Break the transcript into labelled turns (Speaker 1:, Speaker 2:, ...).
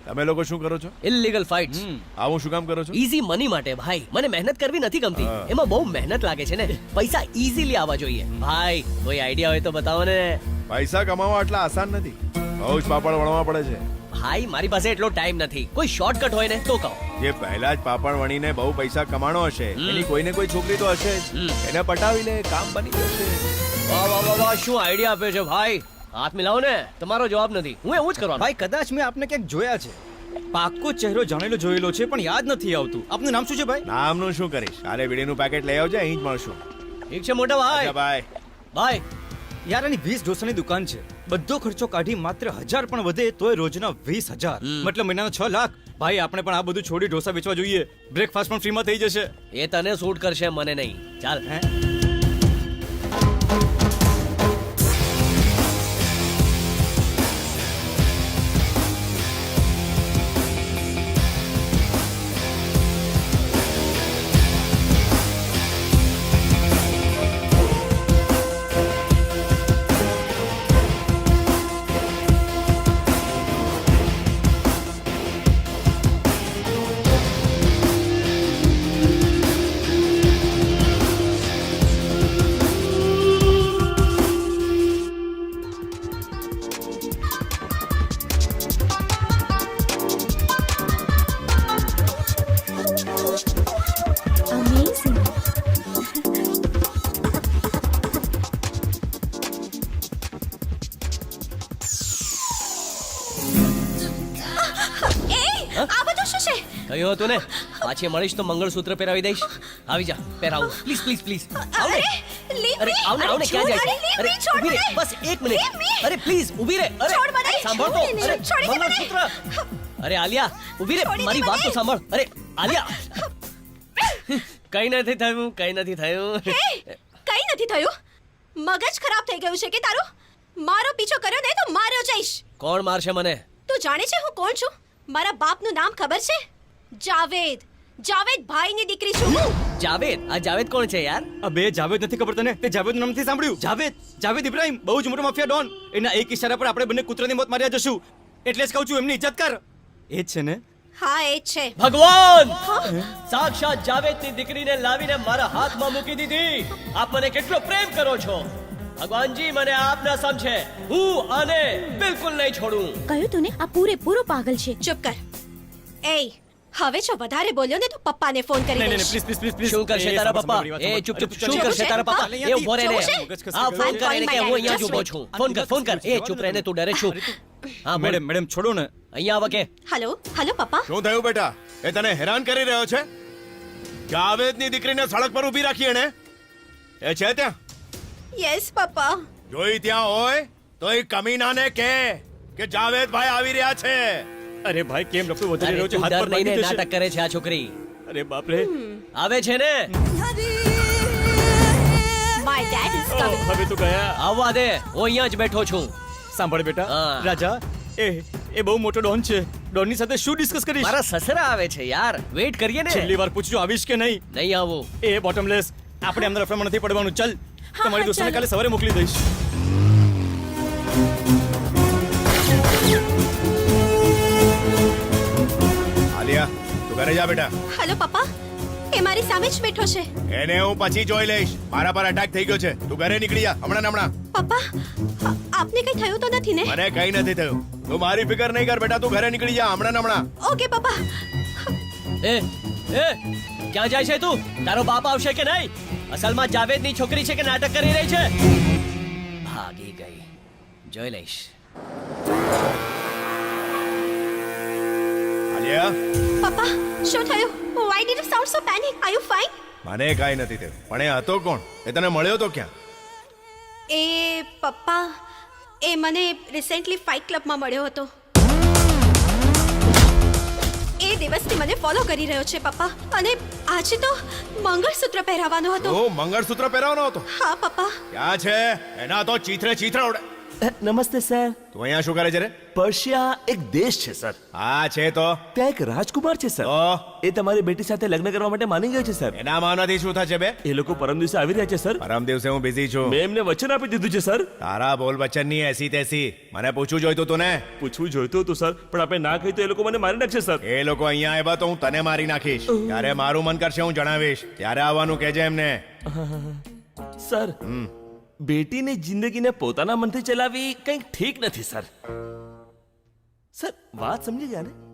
Speaker 1: તમે લોકો શું કરો છો?
Speaker 2: Illegal fights.
Speaker 1: આવું શું કામ કરો છો?
Speaker 2: ઈઝી મની માટે ભાઈ. મને મહેનત કરવી નથી ગમતી. એમાં બહુ મહેનત લાગે છે ને. પૈસા ઈઝીલી આવવા જોઈએ. ભાઈ કોઈ આઈડિયા હોય તો બતાવો ને.
Speaker 1: પૈસા કમાવા આટલા આસાન નથી, બહુ જ પાપડ વણવા પડે છે.
Speaker 2: ભાઈ મારી પાસે એટલો ટાઈમ નથી. કોઈ શોર્ટકટ હોય ને તો કહો.
Speaker 1: જે પહેલા જ પાપડ વણીને બહુ પૈસા કમાણો હશે, એની કોઈને કોઈ છોકરી તો હશે જ. એને પટાવી લે, કામ બની જશે.
Speaker 2: વાહ વાહ વાહ વાહ, શું આઈડિયા આપ્યો છે ભાઈ. હાથ મિલાવો ને. તમારો જવાબ નથી, હું એવું જ કરવાનો.
Speaker 3: ભાઈ કદાચ મેં આપને ક્યાંક જોયા છે. પાક્કો ચહેરો જાણેલો જોયેલો છે પણ યાદ નથી આવતું. આપનું નામ શું છે ભાઈ?
Speaker 1: નામનું શું કરીશ? કાલે બીડીનું પેકેટ લઈ આવજે, અહીં જ મળશું.
Speaker 2: ઠીક છે મોટા ભાઈ.
Speaker 1: અચ્છા બાય.
Speaker 2: ભાઈ
Speaker 3: યાર આની 20 ઢોસાની દુકાન છે. બધો ખર્ચો કાઢી માત્ર 1000 પણ વધે તોય રોજના 20000, મતલબ મહિનાના 6 લાખ. ભાઈ આપણે પણ આ બધું છોડી ઢોસા વેચવા જોઈએ. બ્રેકફાસ્ટ પણ ફ્રીમાં થઈ જશે.
Speaker 2: એ તને સૂટ કરશે, મને નહીં. ચાલ.
Speaker 3: હે?
Speaker 4: Amazing.
Speaker 5: આ બધું શું છે?
Speaker 2: કહ્યું હતું ને, પાછી મળીશ તો મંગળસૂત્ર પહેરાવી દઈશ. આવી જા, પહેરાવું. Please please please. આવ ને.
Speaker 5: Leave
Speaker 2: અરે
Speaker 5: me.
Speaker 2: આવ ને, આવ ને. ક્યાં જાય છે?
Speaker 5: Leave
Speaker 2: અરે
Speaker 5: me, છોડ
Speaker 2: ઊભી રહે,
Speaker 5: મને.
Speaker 2: બસ એક મિનિટ.
Speaker 5: Leave me.
Speaker 2: અરે પ્લીઝ ઊભી રહે. અરે
Speaker 5: છોડ મને.
Speaker 2: સાંભળ તો.
Speaker 5: છોડી દે,
Speaker 2: અરે
Speaker 5: છોડી દે મને.
Speaker 2: મંગળસૂત્ર. અરે આલિયા ઊભી રહે,
Speaker 5: છોડી દે
Speaker 2: મારી વાત તો
Speaker 5: મને.
Speaker 2: સાંભળ. અરે આલિયા, કઈ નથી થયું, કઈ નથી થયું.
Speaker 5: હે, કઈ નથી થયું. મગજ ખરાબ થઈ ગયું છે કે તારું? મારો પીછો કર્યો ને તો માર્યો જઈશ.
Speaker 2: કોણ મારશે મને?
Speaker 5: તું જાણે છે હું કોણ છું? મારા બાપનું નામ ખબર છે? જાવેદ. જાવેદ ભાઈની દીકરી છું હું.
Speaker 2: જાવેદ? આ જાવેદ કોણ છે યાર?
Speaker 3: અબે જાવેદ નથી ખબર તને? તે જાવેદનું નામ નથી સાંભળ્યું? જાવેદ ઇબ્રાહિમ, બહુ જ મોટો માફિયા ડોન. એના એક ઇશારા પર આપણે બંને કૂતરાની મોત માર્યા જશું. એટલે જ કહું છું એમની ઇજ્જત કર. એ જ છે ને?
Speaker 5: હા એ જ છે.
Speaker 2: ભગવાન સાક્ષાત જાવેદની દીકરીને લાવીને મારા હાથમાં મૂકી દીધી. આપ મને કેટલો પ્રેમ કરો છો. ભગવાનજી મને આપ ના સમજે. હું આને બિલકુલ નહીં છોડું.
Speaker 4: કહ્યું તું ને, આ પૂરેપૂરો પાગલ છે.
Speaker 5: ચૂપ કર. એ હવે જો વધારે બોલ્યો ને તો પપ્પાને ફોન કરી
Speaker 3: નહીં નહીં
Speaker 5: દઈશ.
Speaker 3: પ્લીઝ
Speaker 2: શું કરશે તારા પપ્પા? એ ચૂપ ચૂપ. શું કરશે તારા પપ્પા? એ ઉભો રહે ને. હા ફોન કર એને કે હું અહીંયા જ ઊભો છું. ફોન કર, ફોન કર. એ ચૂપ રહે ને, તું ડરે છું. હા બોલ.
Speaker 3: મેડમ છોડો ને.
Speaker 2: અહીંયા આવો કે.
Speaker 5: હેલો હેલો પપ્પા.
Speaker 1: શું થયું બેટા? એ તને હેરાન કરી રહ્યો છે? જાવેદની દીકરીને સડક પર ઊભી રાખી એને? એ છે ત્યાં?
Speaker 5: યસ પપ્પા.
Speaker 1: જોઈ ત્યાં હોય તો એ કમીનાને કે જાવેદ ભાઈ આવી રહ્યા છે.
Speaker 3: અરે ભાઈ કેમ રફુ વધારી
Speaker 2: અરે
Speaker 3: રહ્યો છે?
Speaker 2: તું
Speaker 3: હાથ
Speaker 2: ડર
Speaker 3: પર
Speaker 2: નહીં ને,
Speaker 3: લાગી જશે.
Speaker 2: નાટક કરે છે આ છોકરી.
Speaker 3: અરે બાપ રે.
Speaker 2: આવે છે ને.
Speaker 5: My dad is
Speaker 3: oh,
Speaker 5: coming.
Speaker 3: હવે તો ગયા.
Speaker 2: આવવા દે, હું અહીંયા જ બેઠો છું.
Speaker 3: સાંભળ બેટા,
Speaker 2: હા.
Speaker 3: રાજા એ બહુ મોટો ડોન છે. ડોનની સાથે શું ડિસ્કસ કરીશ?
Speaker 2: મારા સસરા આવે છે યાર, વેઇટ કરીએ ને.
Speaker 3: છેલ્લી વાર પૂછજો આવીશ કે નહીં.
Speaker 2: નહીં આવું.
Speaker 3: એ બોટમલેસ, આપણે એમના રફડામાં નથી પડવાનું. ચાલ,
Speaker 5: હા,
Speaker 3: તમારી દોસ્તને
Speaker 5: ચાલો.
Speaker 3: કાલે સવારે મોકલી દઈશ.
Speaker 1: આલિયા, તું ઘરે જા બેટા.
Speaker 5: હેલો પપ્પા. એ મારી સામે જ બેઠો છે.
Speaker 1: એને હું પછી જોઈ લઈશ. મારા પર અટેક થઈ ગયો છે. તું ઘરે નીકળી જા હમણાં ને હમણાં.
Speaker 5: પપ્પા આપને કઈ થયું તો નથી ને?
Speaker 1: મને કઈ નથી થયું. તું મારી ફિકર નહીં કર બેટા. તું ઘરે નીકળી જા હમણાં ને હમણાં.
Speaker 5: ઓકે પપ્પા.
Speaker 2: એ ક્યાં જાય છે તું? તારો બાપ આવશે કે નહીં? અસલમાં જાવેદની છોકરી છે કે નાટક કરી રહી છે? ભાગી ગઈ. જોઈ લઈશ.
Speaker 1: આલિયા,
Speaker 5: પપ્પા શું થયું? Why did you sound so panic? Are you fine?
Speaker 1: મને કઈ નથી થયું. પણ એ હતો કોણ? એ તને મળ્યો તો ક્યાં?
Speaker 5: એ પપ્પા એ મને રિસેન્ટલી ફાઇટ ક્લબમાં મળ્યો હતો. એ દિવસથી મને ફોલો કરી રહ્યો છે પપ્પા. અને આજે તો મંગળસૂત્ર પહેરાવવાનો હતો.
Speaker 1: ઓ મંગળસૂત્ર પહેરાવવાનો હતો?
Speaker 5: હા પપ્પા.
Speaker 1: ક્યાં છે? એના તો ચીથરે ચીથરા ઉડે.
Speaker 6: નમસ્તે સર.
Speaker 1: તું અહીંયા શું કરે છે રે?
Speaker 6: પર્શિયા એક દેશ છે સર.
Speaker 1: હા છે તો
Speaker 6: ત્યાં એક રાજકુમાર છે સર.
Speaker 1: તો
Speaker 6: એ તમારી બેટી સાથે લગ્ન કરવા માટે માની ગયો છે સર.
Speaker 1: એના માનવાથી શું થશે બે?
Speaker 6: એ લોકો પરમ દિવસે આવી રહ્યા છે સર.
Speaker 1: પરમ દિવસે હું બિઝી છું.
Speaker 6: મેં એમને વચન આપી દીધું છે સર.
Speaker 1: તારા બોલ વચનની એસી તેસી મને પૂછવું જોઈતું તું ને.
Speaker 6: પૂછવું જોઈતું હતું સર, પણ આપણે ના કહી તો એ લોકો મને મારી નાખશે સર.
Speaker 1: એ લોકો અહીંયા આવ્યા તો હું તને મારી નાખીશ. ત્યારે મારું મન કરશે હું જણાવીશ. ત્યારે આવવાનું કહેજે એમને.
Speaker 6: સર, બેટીની જિંદગીને પોતાના મનથી ચલાવવી કંઈક ઠીક નથી સર. સર, વાત સમજી ગયા ને?